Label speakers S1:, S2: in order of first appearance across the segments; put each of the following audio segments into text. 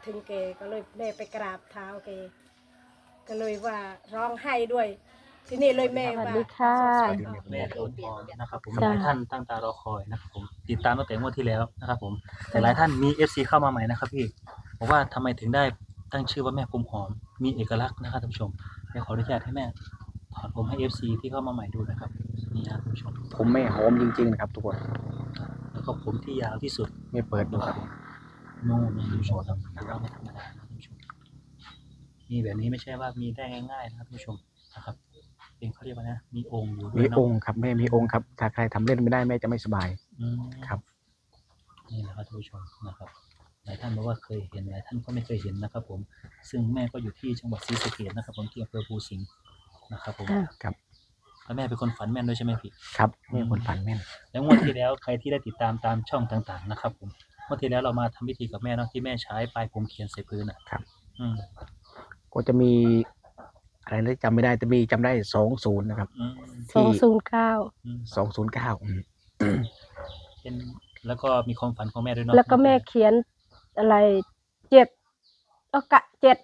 S1: ถึงแกก็เลยแม่ไปกราบเท้าแกก็เลยว่าร้องไห้ด้วยทีนี้เลยแม่ว่า
S2: สวัสดีค่ะ
S3: แม่โดนมองนะครับผมหลายท่านตั้งตารอคอยนะครับผมติดตามตั้งแต่งวดที่แล้วนะครับผมแต่หลายท่านมี FC เข้ามาใหม่นะครับพี่บอกว่าทำไมถึงได้ตั้งชื่อว่าแม่ผมหอมมีเอกลักษณ์นะครับท่านผู้ชมเดี๋ยวขออนุญาตให้แม่ถอดผมให้ FC ที่เข้ามาใหม่ดูนะครับนี่ครับท่านผู้ชม
S4: ผมไม่หอมจริงๆนะครับทุกคน
S3: แล้วก็ผมที่ยาวที่สุด
S4: ไม่เปิดดูครับ
S3: นู่นนะท่านผู้ชมครับถือว่าไม่ธรรมดานะท่านผู้ชมมีแบบนี้ไม่ใช่ว่ามีได้ง่ายๆนะครับท่านผู้ชมนะครับเป็นเขาเรียกว่านะมีองค์อยู่ด้ว
S4: มี
S3: ยเนาะ
S4: องค์ครับแม่มีองค์ครับถ้าใครทำเล่นไม่ได้แม่จะไม่สบาย
S3: อืม
S4: ครับ
S3: นี่แหละครับท่านผู้ชมนะครับหลายท่านบอกว่าเคยเห็นหลายท่านก็ไม่เคยเห็นนะครับผมซึ่งแม่ก็อยู่ที่จังหวัดศรีสะเกษนะครับผมที่อำเภอภูสิงห์นะครับผม
S4: ครับ
S3: แล้วแม่เป็นคนฝันแม่นด้วยใช่ไหมพี่
S4: ครับแม่คนฝันแม่น
S3: แล้วงวดที่แล้วใครที่ได้ติดตามตามช่องต่างๆนะครับผมงวดที่แล้วเรามาทำพิธีกับแม่เนาะที่แม่ใช้ปลายผมเขียนใส่พื้นอ่ะ
S4: ครับ
S3: อืม
S4: ก็จะมีอะไรนะจำไม่ได้แต่มีจำได้20นะครับ
S3: อืม
S2: 209
S3: อืม
S4: 209
S3: เป็นแล้วก็มีความฝันของแม่ด้วยเนาะ
S2: แล้วก็แม่เขียนอะไร7ก็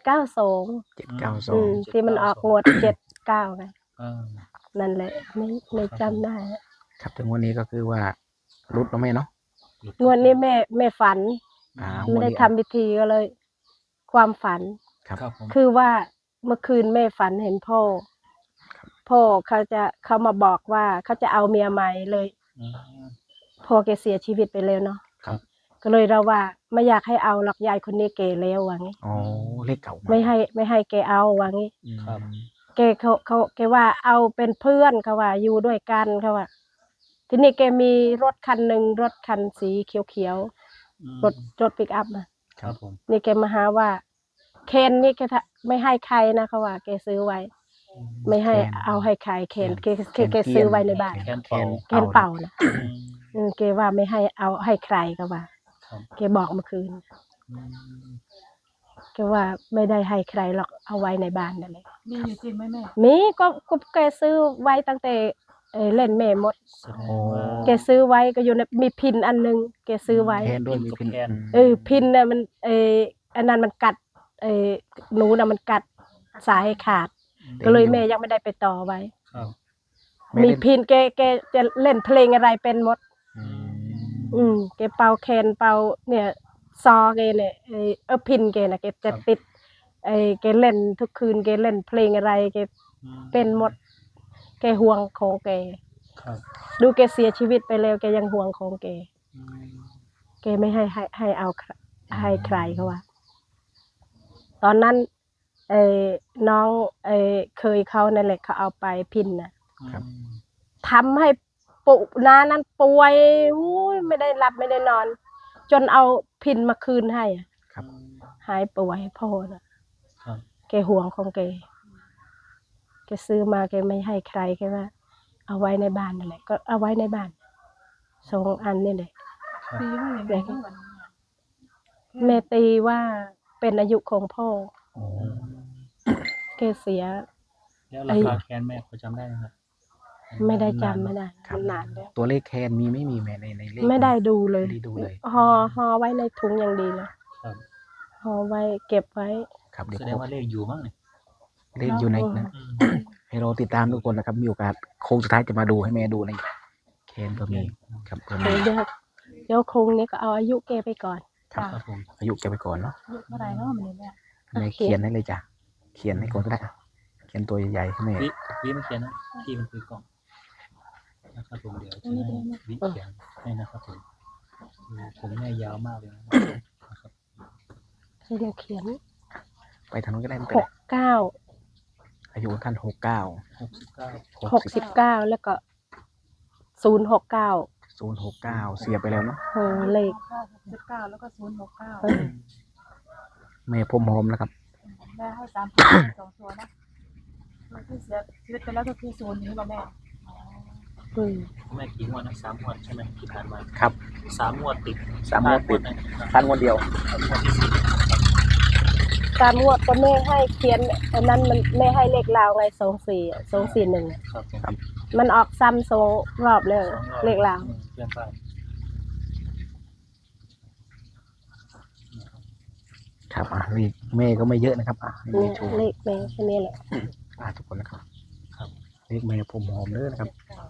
S2: 792 ที่มันออกงวด79ไง
S3: อ่า
S2: นั่นแหละไม่จำได้
S4: ครับถึงวันนี้ก็คือว่ารุดเนาะแม่เนาะ
S2: งวดนี้แม่ฝัน
S4: ง
S2: ไม่
S4: ว
S2: ได้
S4: นี้
S2: ทำพิธีก็เลย ความฝัน
S4: ครับ
S3: ครับผม
S2: คือว่าเมื่อคืนแม่ฝันเห็นพ่อเขามาบอกว่าเขาจะเอาเมียใหม่เลย
S3: อืม
S2: พ่อแกเสียชีวิตไปแล้วเนาะ
S3: ครับ
S2: ก็เลยเราว่าไม่อยากให้เอาหรอกยายคนนี้แก่แล้วว่างี้
S4: อ๋อเลขเก่า
S2: ไม่ให้แกเอาว่างี้
S3: ครับ
S2: แกแกว่าเอาเป็นเพื่อนเขาว่าอยู่ด้วยกันเขาว่าทีนี้แกมีรถคันหนึ่งรถคันสีเขียว
S3: อืม
S2: รถปิกอัพนะ
S3: ครับผม
S2: นี่แกมาหาว่าเคนนี่แกไม่ให้ใครนะเขาว่าแกซื้อไว้ ไม่ให้เอาให้ใครเคนแกซื้อไว้ในบ้าน
S3: แคนเป่า
S2: เคนเป่านะ
S3: อืม
S2: แกว่าไม่ให้เอาให้ใครเขาว่า
S3: ครับ
S2: แกบอกเมื่อคืน
S3: อืม
S2: แกว่าไม่ได้ให้ใครหรอกเอาไว้ในบ้านนั่นแหละ
S5: มีอยู่จริงไหมแม่
S2: มีก็แกซื้อไว้ตั้งแต่เล่นแม่มด
S3: แสดงว่า
S2: แกซื้อไว้ก็อยู่ในมีพินอันนึงแกซื้อไว้
S4: แคนด้วยมีพิน
S3: แคน
S2: พินน่ะมันอันนั้นมันกัดหนูน่ะมันกัดสายให้ขาด ก็เลยแม่ยังไม่ได้ไปต่อไว้
S3: ครับ
S2: มีพินแกจะเล่นเพลงอะไรเป็นหมด แกเป่าแคนเป่าเนี่ยซอแกเนี่ยพินแกน่ะแกจะติดแกเล่นทุกคืนแกเล่นเพลงอะไรแก
S3: อืม
S2: เป็นหมด แกห่วงของแก
S3: ครับ
S2: ดูแกเสียชีวิตไปแล้วแกยังห่วงของแก
S3: อืม
S2: แกไม่ให้เอาให้ใครเขาว่า ตอนนั้นน้องเคยเขานั่นแหละเขาเอาไปพินน่ะ
S4: ครับ
S2: ทำให้ปุน้านั้นป่วยอุ้ยไม่ได้หลับไม่ได้นอน จนเอาพินมาคืนให้อะ
S4: ครับ
S2: หายป่วยพ่อน่ะ
S3: ครับ
S2: แกห่วงของแกซื้อมาแกไม่ให้ใครแกว่า เอาไว้ในบ้านนั่นแหละก็เอาไว้ในบ้าน2 อันนี่แหละ
S5: ตีว่าอย่างไรบ้างวันนี้
S2: แม่ตีว่าเป็นอายุของพ่อ
S4: โอ้
S2: แกเสีย
S3: แล้วราคาแคนแม่พอจำได้ไหมครับ
S2: ไม่ได้จำไม่ได้
S4: ครับ
S2: มันนานแล้ว
S4: ตัวเลขแคนมีไม่มีแม่ในเลข
S2: ไม่ได้ดูเลย
S4: ไม่ได้ดูเลย
S2: ห่อไว้ในถุงอย่างดีเลย
S3: ครับ
S2: ห่อไว้เก็บไว้
S4: ครับเดี๋ยว
S3: แสดงว่าเลขอยู่มั้งเนี่ย
S4: เลขอยู่ในนั้น
S3: อืม
S4: ให้เราติดตามทุกคนนะครับ มีโอกาสโค้งสุดท้ายจะมาดูให้แม่ดูในแคนก็มีครับก็มี
S2: เดี๋ยวคงนี้ก็เอาอายุแกไปก่อน
S4: ครับ
S3: ครับผม
S4: อายุแกไปก่อนเนาะ
S5: อายุเท่าไหร่เนาะมันนี่แม่
S4: แม่เขียนให้เลยจ้ะเขียนให้ก่อนก็ได้อะเขียนตัวใหญ่ๆให้แม่
S3: วิไม่เขียนนะที่มันคือกล่องนะครับผมเดี๋ยวจะให้วิเขียนให้นะครับผมผมแม่ยาวมากเลยนะครับ
S2: เดี๋ยวเขียน
S4: ไปทางนู้นก็ได้ไม่เป็นไร
S2: 69
S4: อายุท่าน69
S3: 69
S2: 69แล้วก็069
S4: 069เสียไปแล้วเนาะ
S2: เลข
S5: 969แล้วก็069
S4: แม่พรมหอมนะครับ
S5: แม่ให้3 ตัว2 ตัวนะตัวที่เสียชีวิตไปแล้วก็คือ0นี้ป่ะแม่
S3: แม่กี่งวดนะ3 งวดใช่ไหมที่ผ่านมา
S4: ครับ
S3: 3 งวดติด
S4: 3 งวดติด
S3: นะ
S4: ท่านงวดเดียว
S3: งวดที่สี่
S2: ตามงวดก็แม่ให้เขียนอันนั้นมันแม่ให้เลขลาวไง241
S3: ครับผม
S2: มันออกซ้ำ2 รอบเลย
S3: 2 รอบ
S2: เลขลาว
S3: เพื่อนบ้าน
S4: ครับเลขแม่ก็ไม่เยอะนะครับให้
S2: เนี่
S4: แม่
S2: ย
S4: โชว์
S2: เลขแม่แค่นี้แหละ
S4: ทุกคนนะครับ
S3: ครับ
S4: เลขแม่ผมหอมเด้อนะครับ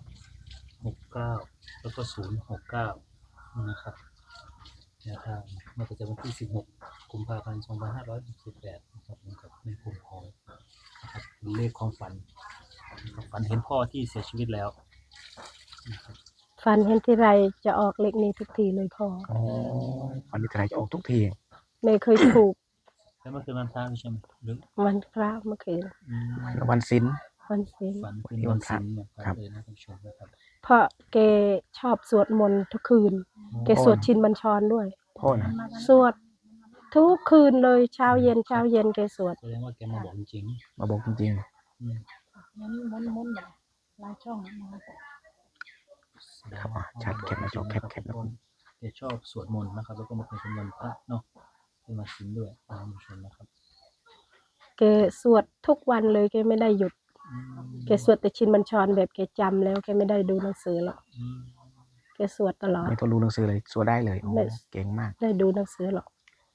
S3: 69แล้วก็069นะครับแนวทางเมื่อประจำวันที่16กุมภาพันธ์2568นะครับผมกับแม่ผมหอมนะครับเลขความฝันนะครับฝันเห็นพ่อที่เสียชีวิตแล้วนะครับ
S2: ฟันเห็นที่ไรจะออกเลขนี้ทุกทีเลยพ่อ
S4: อ๋อวันนี้ใครจะออกทุกที
S2: ไม่เคยถูก
S3: แล้วเมื่อคืนวันพระใช่ไหมหรือ
S2: วันพระเมื่อคืน
S4: วันศิล
S2: วันศีล
S3: ฝันคืนวันศิลป์นะค
S4: ครั
S3: รับบ เลยนะท่านผู้ชมนะครับ
S2: เพราะแกชอบสวดมนต์ทุกคืน แกสวดชินบัญชรด้วย
S4: พ่อนะ
S2: สวดทุกคืนเลยเช้าเย็นแกสวด
S3: แสดงว่าแกมาบอกจริง
S4: มาบอกจริง
S3: ๆอืม
S5: งั้นม้วนแบบลายช่องมา
S3: แสดง
S4: ครับ
S3: ว่า
S4: ชัดแคปนะจอแคปนะ
S3: แกชอบสวดมนต์นะครับ แล้วก็มาเป็นวันพระเนาะเป็นวันศีลด้วยนะท่านผู้ชมนะครับ
S2: แกสวดทุกวันเลยแกไม่ได้หยุด
S3: อืม
S2: แกสวดแต่ชินบัญชรแบบแกจำแล้วแกไม่ได้ดูหนังสือหรอก
S3: อืม
S2: แกสวดตลอ
S4: ๆ
S2: ด
S4: ไม่ต้องรู้หนังสือเลยสวดได้เลยโอ้
S2: ไม่
S4: เก่งมาก
S2: ได้ดูหนังสือหรอก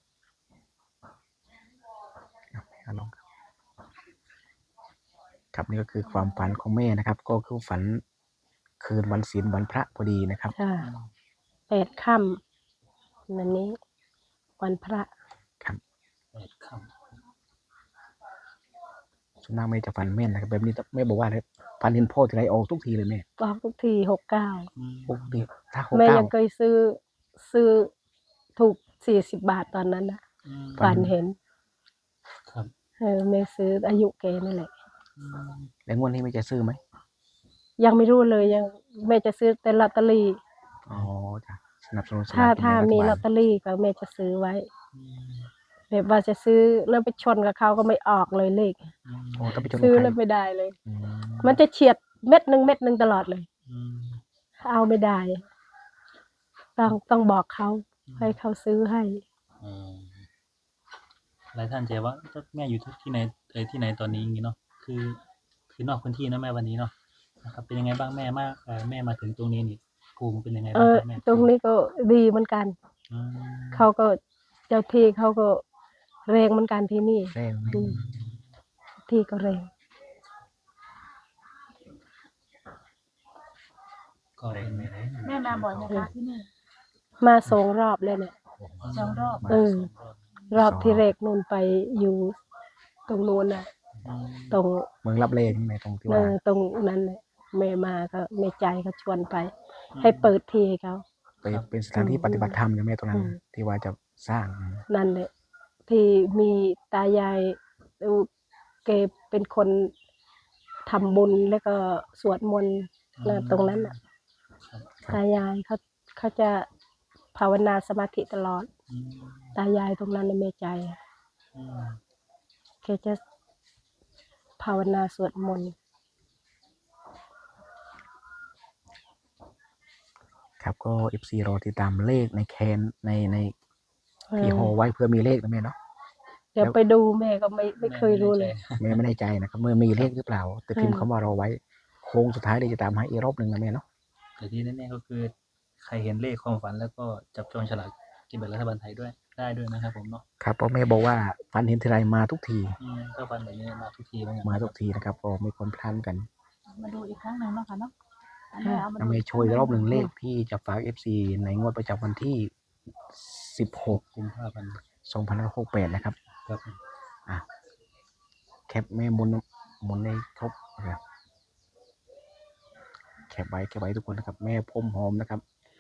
S4: เอาลองครับนี่ก็คือความฝันของแม่นะครับ ก็คือฝันคืนวันศีลวันพระพอดีนะครับ
S2: ค่ะ8 ค่ำวันนี้ วันพระ
S4: ครับ
S3: 8 ค่ำ
S4: ส่วนมากแม่จะฝันแม่นนะครับแบบนี้แม่บอกว่าฝันเห็นพ่อทีไรออกทุกทีเลยแม่
S2: ออกทุกที69
S3: อืม
S4: ปกติถ้าหก
S2: แม่
S4: เก้า
S2: ยังเคยซื้อถูก40 บาทตอนนั้นนะ
S3: อืม
S2: ฝันเห็น
S3: ครับ
S2: แม่ซื้ออายุแกนี่แหละ
S3: อืม
S4: แล้วงวดนี้แม่จะซื้อไหม
S2: ยังไม่รู้เลยยังแม่จะซื้อแต่ลอตเตอรี่
S4: อ๋อจ้ะสนับสนุนสลก
S2: ถ้า
S4: กินแบ่งรัฐ
S2: มี
S4: บา
S2: ลอตเตอรี่ก็แม่จะซื้อไว้
S3: อืม
S2: แบบว่าจะซื้อแล้วไปชนกับเขาก็ไม่ออกเลยเลข
S3: อืม
S4: โอ้ต้องไปชน
S2: ซื้อ
S4: กับใคร
S2: แล้วไม่ได้เลย
S4: อืม
S2: มันจะเฉียดเม็ดหนึ่งตลอดเลย
S3: อืม
S2: เอาไม่ได้ ต้องบอกเขาให้เขาซื้อให้
S3: อืมหลายท่านจะว่าแม่อยู่ที่ไหนที่ไหนตอนนี้อย่างงี้เนาะคือนอกพื้นที่นะแม่วันนี้เนาะนะครับ เป็นยังไงบ้างแม่แม่มาถึงตรงนี้นี่ภูมิเป็นยังไงบ้างครับแม่
S2: ตรงนี้ก็ดีเหมือนกัน
S3: อืม
S2: เขาก็เจ้าที่เขาก็แรงเหมือนกันที่นี่
S4: แรงไหม
S2: อืมที่ก็แรง
S3: ก็เป็นไง
S5: แม่มาบ่อยนะคะที่นี่
S2: มา2 รอบเลยเนี่ย
S5: 2 รอบ
S2: รอบที่แรกนู่นไปอยู่ตรงนู้นน่ะ ตรง
S4: เมืองรับเลใช่ไหมตรงที่ว่า
S2: ตรงนั้นแหละแม่มาก็แม่ใจเขาชวนไป ให้เปิดที่ให้เขา
S4: เป็นสถานที่ปฏิบัติธรรมใช่ไหมตรงนั้น
S2: อืม
S4: ที่ว่าจะสร้าง
S2: นั่นแหละที่มีตายายแกเป็นคนทำบุญแล้วก็สวดมนต์นะตรงนั้นน่ะ ตายายเขาจะภาวนาสมาธิตลอด
S3: อืม
S2: ตายายตรงนั้นในแม่ใจ
S3: อืม
S2: แกจะภาวนาสวดมนต์
S4: ครับก็ FC รอติดตามเลขในแคนใน
S2: เอ
S4: ที่
S2: อ
S4: ห่อไว้เพื่อมีเลขนะแม่เนาะ
S2: เดี๋ยวไปดูแม่ก็ไม่เคยรู้เลย
S4: แม่ไม่แน่ใจนะครับเมื่อมีเลขหรือเปล่า แต่พิมพ์คำว่ารอไว้โค้งสุดท้ายเลยจะตามให้อีกรอบหนึ่งนะแม่เนาะ
S3: แต่ที่แน่ๆก็คือใครเห็นเลขความฝันแล้วก็จับจองฉลากกินแบ่งรัฐบาลไทยด้วยได้ด้วยนะครับผมเนาะ
S4: ครับเพราะแม่บอกว่าฝันเห็นทีไรมาทุกที
S3: ถ้าฝันแบบนี้มาทุกทีเหมือนกัน
S4: มาทุกทีนะครับก็ไม่ควรพลาดกัน
S5: มาดูอีกครั้งหนึ่งเนาะค่ะเนาะ
S2: ค่ะ
S4: นะแม่ช่วยอีกรอบหนึ่งเลขที่จะฝาก FC ในงวดประจำวันที่ 16
S3: กุมภาพันธ์
S4: 2568นะครับ
S3: ครับ
S4: อ่ะแคปแม่หมุนในครบนะครับแคปไว้ทุกคนนะครับ แม่พ่มหอมนะครับ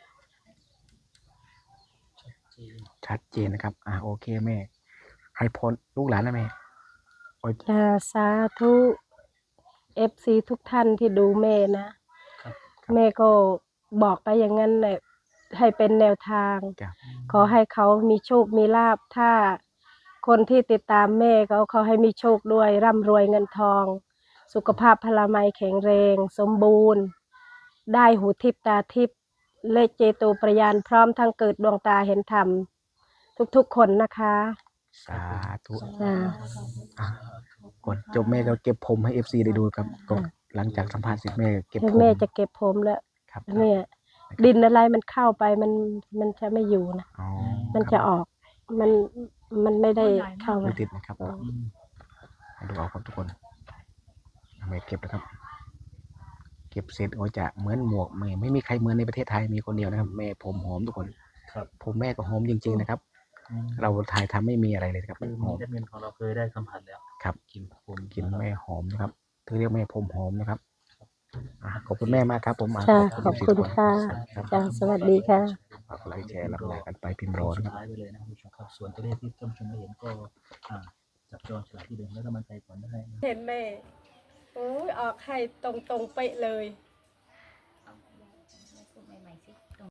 S3: จีน
S4: ชัดเจนนะครับโอเคแม่ ให้พรลูกหลานนะแม่โอ้ย
S2: สาธุ FC ทุกท่านที่ดูแม่นะ
S3: ครับ
S2: แม่ก็บอกไปอย่างนั้นแหละให้เป็นแนวทาง
S4: จ้ะ
S2: ขอให้เขามีโชคมีลาภถ้าคนที่ติดตามแม่เขาให้มีโชคด้วยร่ำรวยเงินทอง สุขภาพพลามัยแข็งแรง สมบูรณ์ ได้หูทิพตาทิพและเจโตประยานพร้อมทั้งเกิดดวงตาเห็นธรรม ทุกๆคนนะคะ
S4: สาธุ
S2: อ่า
S4: อ่ะก่อนจบแม่ก็เก็บผมให้ FC ได้ดูครับก็หลังจากสัมภาษณ์เสร็จแม่เก็บผม
S2: แม่จะเก็บผมแล้ว
S4: ครับ
S2: เนี่ยดินอะไรมันเข้าไปมันจะไม่อยู่นะ
S4: อ๋อ
S2: มัน
S4: ค
S2: จะ
S4: รับ
S2: ออก มันมันไม่ได้เข้า
S4: ไม่
S2: มา
S4: ติดนะครับดูเอาครับทุกคนเอาไปเก็บนะครับ เก็บเสร็จก็จะเหมือนหมวกไม่มีใครเหมือนในประเทศไทยมีคนเดียวนะครับ แม่ผมหอมทุกคน
S3: ครับ
S4: ผมแม่ก็หอมจริงๆนะครับ เราถ่ายทำไม่มีอะไรเลยครับ
S3: คือ
S4: ห
S3: มี
S4: อม
S3: แอดมินของเราเคยได้สัมผัสแล้ว
S4: ครับ
S3: กินผม
S4: กินแม่หอมนะครับเธอเรียกแม่ผมหอมนะครับขอบคุณแม่มากครับผม
S2: ค่ะขอบคุณค่ะ
S4: ครับ
S2: จ้าสวัสดีค่ะ
S4: ฝากไลค์แชร์รับไลค์กันไปพิมพ์รอ
S3: สุ
S4: นะ
S3: ด
S4: ครับ
S3: ท้ายไปเลยนะครับผู้ชมครับส่วนตัวเลขที่ท่านผู้ชมได้เห็นก็จับจองฉลากที่เดิมแล้วก็มันใจก่อนได้นะ
S1: เห็นแม่โอ้ยออกให้ตรงๆเป๊ะเลย